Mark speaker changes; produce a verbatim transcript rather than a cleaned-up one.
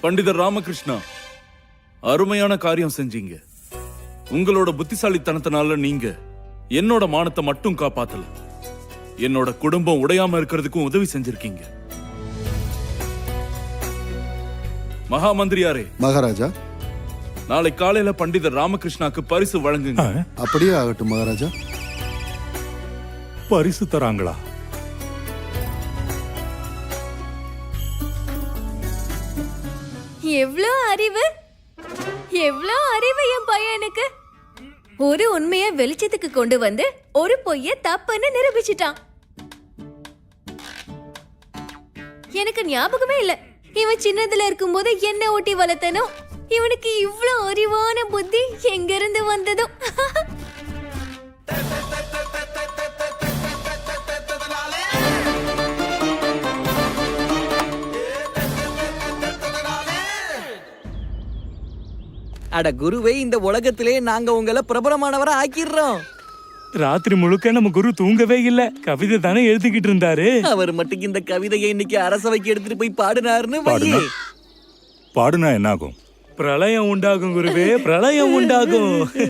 Speaker 1: பண்டிதர் ராமகிருஷ்ணா, அருமையான காரியம் செஞ்சீங்க. உங்களோட புத்திசாலித்தனத்தினால நீங்க என்னோட மானத்தை மட்டும் காப்பாத்தல, என்னோட குடும்பம் உடையாம இருக்கிறதுக்கும் உதவி செஞ்சிருக்கீங்க. மகா மந்திரியாரே,
Speaker 2: மகாராஜா.
Speaker 1: நாளை காலையில பண்டிதர் ராமகிருஷ்ணாக்கு பரிசு வழங்குங்க.
Speaker 2: அப்படியே ஆகட்டும் மகாராஜா.
Speaker 3: பரிசு தராங்களா?
Speaker 4: எவ்ளோ அறிவு, எவ்ளோ அறிவு என் பையனுக்கு. ஒரு உண்மைய வெளிச்சத்துக்கு கொண்டு வந்து ஒரு பொய்ய தப்புன்னு நிரூபிச்சிட்டான். எனக்கு ஞாபகமே இல்ல, இவன் சின்னதுல இருக்கும்போது என்ன ஓட்டி வளர்த்தனோ. இவனுக்கு இவ்ளோ அறிவான புத்தி எங்க இருந்து வந்ததோ.
Speaker 5: அட குருவே, இந்த உலகத்திலே நாங்க உங்களை பிரபலமானவரை ஆக்கிடுறோம்.
Speaker 3: ராத்திரி முழுக்க நம்ம குரு தூங்கவே இல்ல, கவிதை தானே எழுதிக்கிட்டு இருந்தாரு.
Speaker 5: அவர் மட்டும் இந்த கவிதையை இன்னைக்கு அரசவைக்கு எடுத்துட்டு போய் பாடினாருன்னு
Speaker 6: பாடுனா
Speaker 5: வையே.
Speaker 6: பாடுனா என்ன ஆகும்?
Speaker 3: பிரளயம் உண்டாகும் குருவே, பிரளயம் உண்டாகும்.